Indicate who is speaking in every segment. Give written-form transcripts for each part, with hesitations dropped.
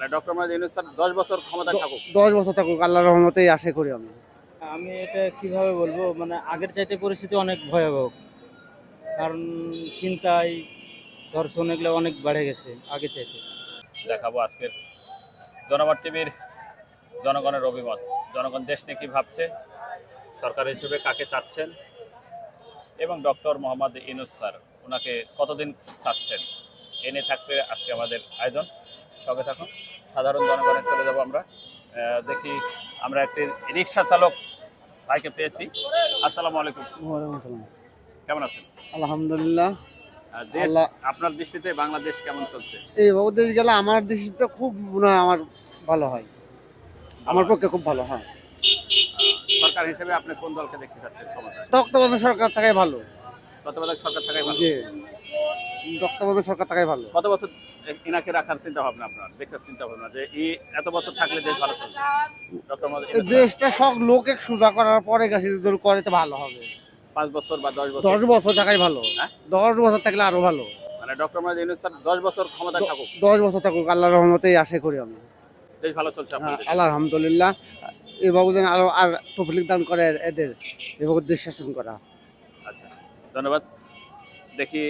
Speaker 1: মানে doctor Mohammad Yunus sir 10 বছর ক্ষমতায় থাকুক।
Speaker 2: 10 বছর থাকুক, আল্লাহর রহমতেই আশা করি আমি।
Speaker 3: আমি এটা কিভাবে বলবো, মানে আগের চাইতে পরিস্থিতি অনেক ভয়াবহ। কারণ ছিনতাই, ধর্ষণ এগুলো অনেক বেড়ে গেছে আগের চাইতে।
Speaker 1: দেখাবো আজকের জনমত টিভির জনগণের অভিমত। জনগণ দেশ নিয়ে কি ভাবছে, সরকার হিসেবে কাকে চাচ্ছেন এবং ডক্টর মোহাম্মদ ইউনূস স্যার ওনাকে কতদিন চাচ্ছেন, এ নিয়ে থাকবে আজকে আমাদের আয়োজন। সঙ্গে থাকুন। সাধারণ জনগণে চলে যাব আমরা। দেখি আমরা একটি রিক্সা চালক ভাইকে পেয়েছি। আসসালামু আলাইকুম,
Speaker 2: ওয়ালাইকুম আসসালাম।
Speaker 1: কেমন আছেন?
Speaker 2: আলহামদুলিল্লাহ।
Speaker 1: দেশ
Speaker 2: আল্লাহ
Speaker 1: আপনার দৃষ্টিতে বাংলাদেশ কেমন চলছে?
Speaker 2: এই দেশ গেলে আমার দেশটা খুব মনে হয় আমার ভালো হয়, আমার পক্ষে খুব ভালো হয়।
Speaker 1: সরকার হিসেবে আপনি কোন দলকে দেখতে চাচ্ছেন ক্ষমতায়?
Speaker 2: তত্ত্বাবধায়ক সরকার থাকাই ভালো।
Speaker 1: তত্ত্বাবধায়ক সরকার থাকাই ভালো।
Speaker 2: যে তত্ত্বাবধায়ক সরকার থাকাই ভালো।
Speaker 1: কত বছর ইনাকে রাখার চিন্তা ভাবনা আপনার, দেখার চিন্তা ভাবনা যে এত বছর থাকলে দেশ ভালো চলবে? ডক্টর মোহাম্মদ
Speaker 2: এই
Speaker 1: ইউনূস স্যার
Speaker 2: দেশটা সব লোকে সুদা করার পরে গেছে করে তো ভালো হবে।
Speaker 1: 5 বছর বা 10 বছর?
Speaker 2: 10 বছর থাকাই ভালো।
Speaker 1: হ্যাঁ?
Speaker 2: 10 বছর থাকলে আরো ভালো।
Speaker 1: মানে ডক্টর মোহাম্মদ ইউনূস স্যার 10 বছর ক্ষমতায় থাকুক,
Speaker 2: 10 বছর থাকুক, আল্লাহর রহমতেই আশা করি আমি।
Speaker 1: দেশ ভালো চলছে আপনার দেশে?
Speaker 2: আল্লাহ আলহামদুলিল্লাহ। এভাবে যেন আরো আর তৌফিক দান করে এদের, এভাবে দেশ শাসন করা।
Speaker 1: আচ্ছা, ধন্যবাদ। দেখি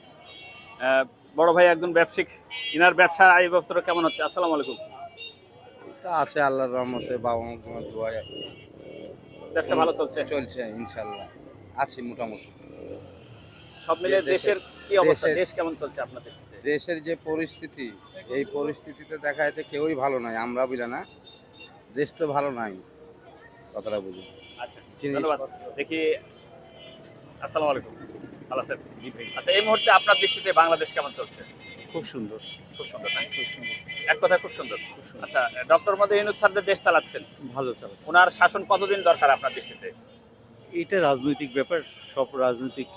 Speaker 1: বড় ভাই একজন ব্যবসায়িক, ইনার ব্যবসার আয় বছর কেমন হচ্ছে? আসসালামু আলাইকুম।
Speaker 4: তা আছে আল্লাহর রহমতে, বাবা মার দোয়ায়
Speaker 1: ব্যবসা ভালো চলছে?
Speaker 4: চলছে ইনশাল্লাহ, আছি মোটামুটি।
Speaker 1: সব মিলে দেশের কি অবস্থা, দেশ কেমন চলছে আপনাদের?
Speaker 4: দেশের যে পরিস্থিতি, এই পরিস্থিতিতে দেখা যাচ্ছে কেউই ভালো নাই, আমরা বুঝলে না, দেশ তো ভালো নাই, কথাটা বুঝি।
Speaker 1: আচ্ছা, ধন্যবাদ। দেখি আসসালামু আলাইকুম, ভালো আছেন? জি ভাই। আচ্ছা, এই মুহূর্তে আপনার দৃষ্টিতে বাংলাদেশ কেমন চলছে?
Speaker 2: খুব সুন্দর।
Speaker 1: খুব সুন্দর, না? খুব সুন্দর, এক কথা খুব সুন্দর। আচ্ছা, ডক্টর মোহাম্মদ ইউনূস স্যার দেশ চালাচ্ছেন,
Speaker 2: ভালো চলে।
Speaker 1: ওনার শাসন কতদিন দরকার আপনার দৃষ্টিতে?
Speaker 5: এটা রাজনৈতিক ব্যাপার, সব রাজনৈতিক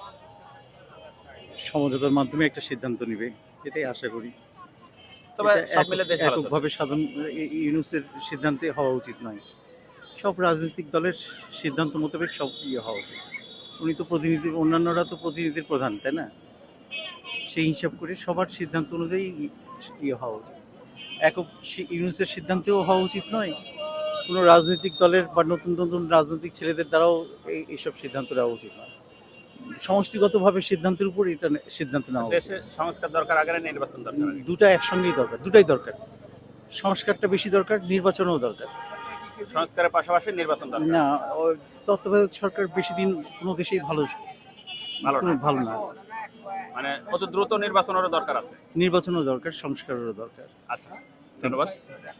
Speaker 5: সমঝোতার মাধ্যমে একটা সিদ্ধান্ত নেবে, এটাই আশা করি।
Speaker 1: তবে
Speaker 5: এটা
Speaker 1: সব মিলে দেশ ভালো চলছে।
Speaker 5: এককভাবে ইউনূসের সিদ্ধান্তে হওয়া উচিত নয়, সব রাজনৈতিক দলের সিদ্ধান্ত মোতাবেক সব হওয়া উচিত। উনি তো প্রতিনিধি, অন্যান্যরা তো প্রতিনিধির প্রধান, তাই না? সেই হিসাব করে সবার সিদ্ধান্ত অনুযায়ী হওয়া উচিত। ইউনূসের সিদ্ধান্তেও হওয়া উচিত নয়, কোনো রাজনৈতিক দলের বা নতুন নতুন রাজনৈতিক ছেলেদের দ্বারাও এইসব সিদ্ধান্ত নেওয়া উচিত নয়। সমষ্টিগতভাবে সিদ্ধান্তের উপর এটা সিদ্ধান্ত নেওয়া উচিত।
Speaker 1: দেশে সংস্কার দরকার আগে না নির্বাচন দরকার আগে?
Speaker 5: দুটা একসঙ্গেই দরকার, দুটাই দরকার। সংস্কারটা বেশি দরকার, নির্বাচনও দরকার।
Speaker 1: সংস্কারের পাশাপাশি নির্বাচন দরকার।
Speaker 5: না, তত্ত্বাবধায়ক সরকার বেশি দিন কোনো দেশেই ভালো
Speaker 1: ভালো না?
Speaker 5: ভালো না।
Speaker 1: মানে অত দ্রুত নির্বাচনেরও দরকার আছে।
Speaker 5: নির্বাচনও দরকার, সংস্কারেরও দরকার।
Speaker 1: আচ্ছা, ধন্যবাদ।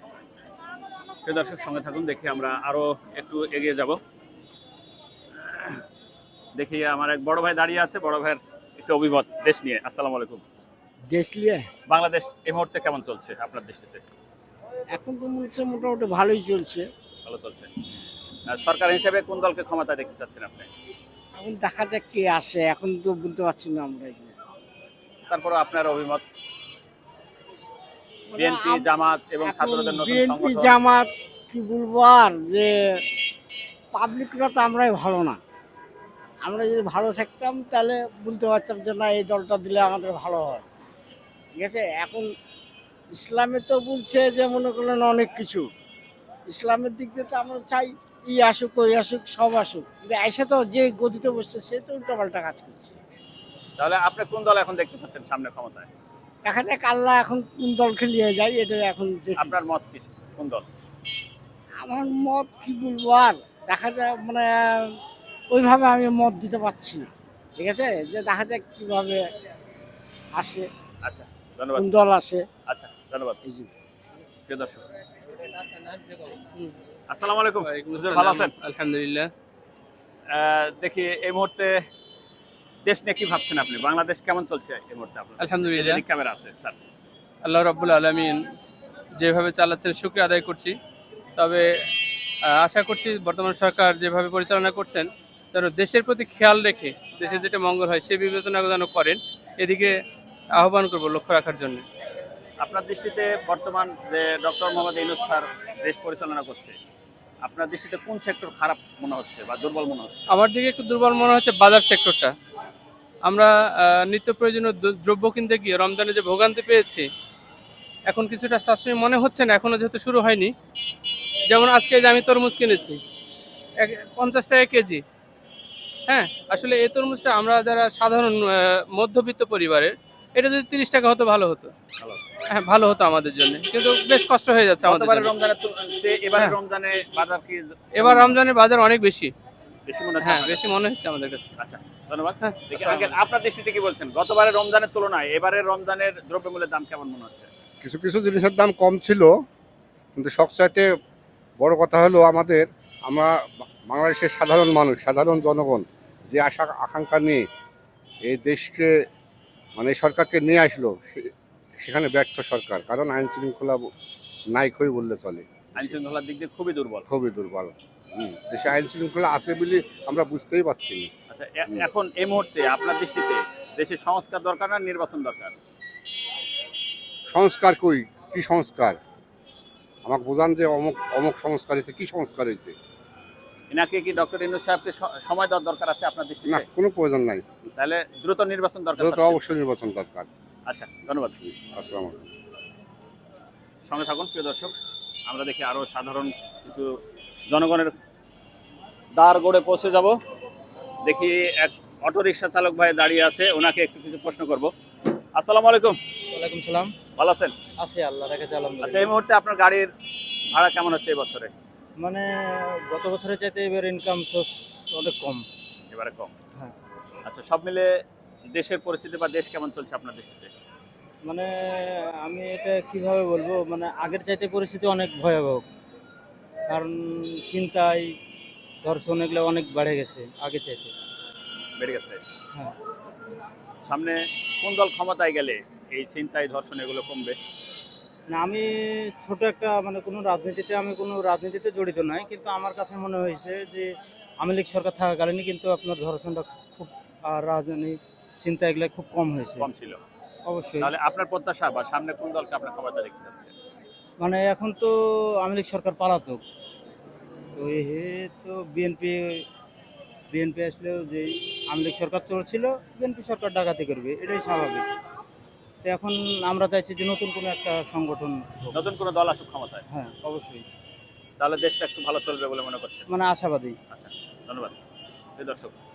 Speaker 1: প্রিয় দর্শক, সঙ্গে থাকুন। দেখি আমরা আরো একটু এগিয়ে যাব। দেখি আমার এক বড় ভাই দাঁড়িয়ে আছে, বড় ভাইয়ের একটু অভিমত দেশ নিয়ে। আসসালামু আলাইকুম।
Speaker 3: দেশ নিয়ে
Speaker 1: বাংলাদেশ এই মুহূর্তে কেমন চলছে আপনার দৃষ্টিতে?
Speaker 3: এখন তো মনে হচ্ছে মোটামুটি ভালোই চলছে।
Speaker 1: ভালো চলছে। সরকার হিসেবে কোন দলকে ক্ষমতায় দেখতে চাচ্ছেন আপনি?
Speaker 3: এখন দেখা যাক কে আসে, এখন তো বলতে পারছি না আমরা এখানে।
Speaker 1: তারপরে আপনার অভিমত? বিএনপি, জামাত এবং ছাত্রদের নতুন
Speaker 3: বিএনপি
Speaker 1: সংগঠন।
Speaker 3: জামাত কি বলবো আর, যে পাবলিকরা তো আমরাই ভালো না। আমরা যদি ভালো থাকতাম তাহলে বলতে পারতাম যে না, এই দলটা দিলে আমাদের ভালো হয়। ঠিক আছে, এখন ইসলামে তো বলছে যে মনে করলেন অনেক কিছু, ইসলামের দিক দিয়ে তো আমরা চাই আসুক, ওই আসুক, সব আসুক, কিন্তু এসে তো যে গদিতে বসছে সে তো উল্টাপাল্টা কাজ করছে।
Speaker 1: তাহলে আপনি কোন দল এখন দেখতে চাচ্ছেন সামনে ক্ষমতায়?
Speaker 3: দেখা যাক আল্লাহ এখন কোন দলকে নিয়ে যায়, এটা এখন দেখি।
Speaker 1: আপনার মত কি, কোন দল?
Speaker 3: আমার মত কি বলবো আর, দেখা যায় মানে ওইভাবে আমি মত দিতে পারছি না। ঠিক আছে, যে দেখা যাক কিভাবে আসে,
Speaker 1: আচ্ছা, ধন্যবাদ।
Speaker 3: কোন দল আসে।
Speaker 1: আচ্ছা, ধন্যবাদ।
Speaker 3: এই যে
Speaker 1: প্রিয় দর্শক, আসসালামু আলাইকুম। হুজুর, ভালো আছেন?
Speaker 6: আলহামদুলিল্লাহ।
Speaker 1: দেখি এই মুহূর্তে দেশ নিয়ে কি ভাবছেন আপনি? বাংলাদেশ কেমন চলছে এই মুহূর্তে আপনার?
Speaker 6: আলহামদুলিল্লাহ।
Speaker 1: এদিকে ক্যামেরা আছে স্যার।
Speaker 6: আল্লাহ রাব্বুল আলামিন যেভাবে চালাচ্ছেন শুকরিয়া আদায় করছি। তবে আশা করছি বর্তমান সরকার যেভাবে পরিচালনা করছেন যেন দেশের প্রতি খেয়াল রেখে দেশের যেটা মঙ্গল হয় সে বিবেচনা যেন করেন, এদিকে আহ্বান করব লক্ষ্য রাখার জন্য।
Speaker 1: আপনার দৃষ্টিতে বর্তমান যে ডক্টর মোহাম্মদ ইউনূস স্যার দেশ পরিচালনা করছে, আপনার দৃষ্টিতে কোন সেক্টর খারাপ মনে হচ্ছে বা দুর্বল মনে হচ্ছে?
Speaker 6: আমার দিকে একটু দুর্বল মনে হচ্ছে বাজার সেক্টরটা। আমরা নিত্য প্রয়োজনীয় দ্রব্য কিনতে গিয়ে রমজানে যে ভোগান্তি পেয়েছি, এখন কিছুটা সাশ্রয়ী মনে হচ্ছে না, এখনো যেহেতু শুরু হয়নি। যেমন আজকে যে আমি তরমুজ কিনেছি 50 টাকা কেজি। হ্যাঁ, আসলে এই তরমুজটা আমরা যারা সাধারণ মধ্যবিত্ত পরিবারের, এটা যদি 30 টাকা হতো ভালো হতো।
Speaker 1: ভালো।
Speaker 6: হ্যাঁ, ভালো হতো আমাদের জন্য, কিন্তু বেশ কষ্ট হয়ে যাচ্ছে আমাদের
Speaker 1: গতবারের
Speaker 6: জন্য।
Speaker 1: রমজানের চেয়ে এবারের
Speaker 6: হ্যাঁ।
Speaker 1: রমজানে বাজার কি
Speaker 6: এবার রমজানের বাজার অনেক বেশি।
Speaker 1: বেশি মনে হচ্ছে
Speaker 6: হ্যাঁ,
Speaker 1: আপনার
Speaker 6: বেশি
Speaker 1: কাছে?
Speaker 6: মনে হচ্ছে আমাদের কাছে।
Speaker 1: আচ্ছা, ধন্যবাদ।
Speaker 6: হ্যাঁ,
Speaker 1: দেখি
Speaker 6: আসসালামু
Speaker 1: আঙ্কেল, আপনার দৃষ্টিতে কি বলছেন? গতবারের রমজানের তুলনায় এবারের রমজানের দ্রব্যমূল্যের দাম কেমন মনে হচ্ছে?
Speaker 7: কিছু কিছু জিনিসের দাম কম ছিল, কিন্তু সবচাইতে বড় কথা হলো আমরা বাংলাদেশের সাধারণ মানুষ, সাধারণ জনগণ যে আশা আকাঙ্ক্ষা নিয়ে এই দেশকে মানে এই সরকারকে নিয়ে আসলো, সেখানে ব্যর্থ সরকার। কারণ আইন শৃঙ্খলা নাই কই বললে চলে,
Speaker 1: আইন শৃঙ্খলার দিক দিয়ে খুবই দুর্বল।
Speaker 7: খুবই দুর্বল। দেশে আইন শৃঙ্খলা আছে বলে আমরা বুঝতেই পারছি না।
Speaker 1: আচ্ছা, এখন এই মুহূর্তে আপনার দৃষ্টিতে দেশে সংস্কার দরকার না নির্বাচন দরকার?
Speaker 7: সংস্কার কই, কি সংস্কার? আমাকে বোঝান যে অমুক অমুক সংস্কার হয়েছে, কি সংস্কার হয়েছে?
Speaker 1: এনাকে কি ডক্টর ইউনূস সাহেবকে সময় দেওয়ার দরকার আছে আপনার
Speaker 7: না,
Speaker 1: দৃষ্টিতে?
Speaker 7: কোনো প্রয়োজন নাই।
Speaker 1: তাহলে দ্রুত নির্বাচন দরকার
Speaker 7: দ্রুত
Speaker 1: থাকছে।
Speaker 7: অবশ্যই নির্বাচন দরকার।
Speaker 1: আচ্ছা, ধন্যবাদ।
Speaker 7: আসসালামু আলাইকুম।
Speaker 1: সঙ্গে থাকুন প্রিয় দর্শক, আমরা দেখি আরো সাধারণ কিছু জনগণের দ্বার গড়ে পৌঁছে যাব। দেখি এক অটোরিকশা চালক ভাই দাঁড়িয়ে আছে, ওনাকে একটু কিছু প্রশ্ন করব। আসসালামু আলাইকুম,
Speaker 3: ওয়ালাইকুম সালাম।
Speaker 1: ভালো আছেন?
Speaker 3: আছে আল্লাহ রেখেছে
Speaker 1: আচ্ছা,
Speaker 3: আলহামদুলিল্লাহ।
Speaker 1: এই মুহূর্তে আপনার গাড়ির ভাড়া কেমন হচ্ছে এই বছরে?
Speaker 3: মানে গত বছরের চাইতে এবার ইনকাম সোর্স অনেক কম।
Speaker 1: এবারে কম।
Speaker 3: হ্যাঁ।
Speaker 1: আচ্ছা, সব মিলে দেশের পরিস্থিতি বা দেশ কেমন চলছে আপনার দৃষ্টিতে?
Speaker 3: মানে আমি এটা কিভাবে বলবো, মানে আগের চাইতে পরিস্থিতি অনেক ভয়াবহ। কারণ ছিনতাই, ধর্ষণ এগুলো অনেক বেড়ে গেছে আগের চাইতে।
Speaker 1: বেড়ে গেছে।
Speaker 3: হ্যাঁ।
Speaker 1: সামনে কোন দল ক্ষমতায় গেলে এই ছিনতাই ধর্ষণ এগুলো কমবে?
Speaker 3: না, আমি ছোট একটা মানে কোনো রাজনীতিতে জড়িত নাই, কিন্তু আমার কাছে মনে হয়েছে যে আওয়ামী লীগ সরকার থাকাকালীনই কিন্তু আপনার ধর্ষণটা খুব, আর রাজনীতি চিন্তা এগুলো খুব কম হয়েছে।
Speaker 1: কম ছিল।
Speaker 3: অবশ্যই।
Speaker 1: তাহলে আপনার প্রত্যাশা বা সামনে কোন দলকে আপনার ক্ষমতা দেখতে যাচ্ছে?
Speaker 3: মানে এখন তো আওয়ামী লীগ সরকার পালাতক, তো তো বিএনপি আসলেও যে আওয়ামী লীগ সরকার চলছিল, বিএনপি সরকার ডাকাতি করবে, এটাই স্বাভাবিক। তো এখন আমরা চাইছি যে নতুন কোনো একটা সংগঠন হোক।
Speaker 1: নতুন কোন দল আসুক ক্ষমতায়,
Speaker 3: হ্যাঁ, অবশ্যই।
Speaker 1: তাহলে দেশটা একটু ভালো চলবে বলে মনে করছেন?
Speaker 3: মানে আশাবাদী।
Speaker 1: আচ্ছা, ধন্যবাদ। প্রিয় দর্শক,